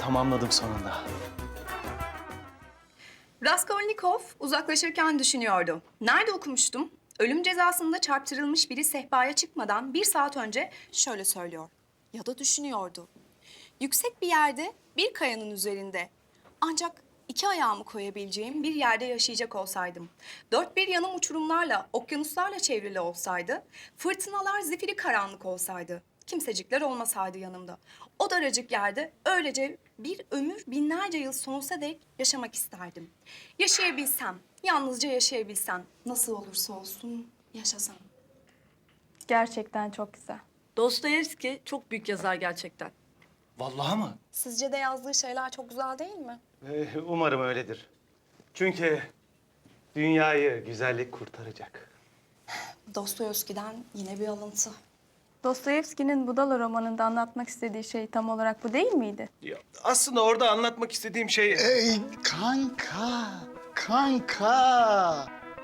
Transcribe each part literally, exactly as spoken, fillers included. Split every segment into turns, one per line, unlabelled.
tamamladım sonunda.
Raskolnikov uzaklaşırken düşünüyordu. Nerede okumuştum? Ölüm cezasında çarptırılmış biri sehpaya çıkmadan bir saat önce şöyle söylüyor. Ya da düşünüyordu. Yüksek bir yerde, bir kayanın üzerinde. Ancak iki ayağımı koyabileceğim bir yerde yaşayacak olsaydım. Dört bir yanım uçurumlarla, okyanuslarla çevrili olsaydı, fırtınalar zifiri karanlık olsaydı, kimsecikler olmasaydı yanımda. O daracık yerde öylece bir ömür binlerce yıl sonsuza dek yaşamak isterdim. Yaşayabilsem, yalnızca yaşayabilsem, nasıl olursa olsun yaşasam.
Gerçekten çok güzel.
Dostoyevski çok büyük yazar gerçekten.
Vallahi mı?
Sizce de yazdığı şeyler çok güzel değil mi?
Ee, umarım öyledir. Çünkü dünyayı güzellik kurtaracak.
Dostoyevski'den yine bir alıntı.
Dostoyevski'nin Budala romanında anlatmak istediği şey tam olarak bu değil miydi?
Ya, aslında orada anlatmak istediğim şey...
Ey kanka, kanka.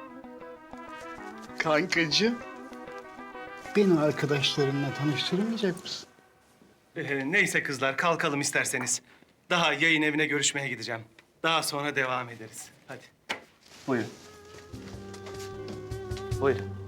Kankacığım, beni arkadaşlarınla tanıştırmayacak mısın?
Ee, neyse kızlar, kalkalım isterseniz. Daha yayın evine görüşmeye gideceğim. Daha sonra devam ederiz. Hadi. Buyurun. Buyurun.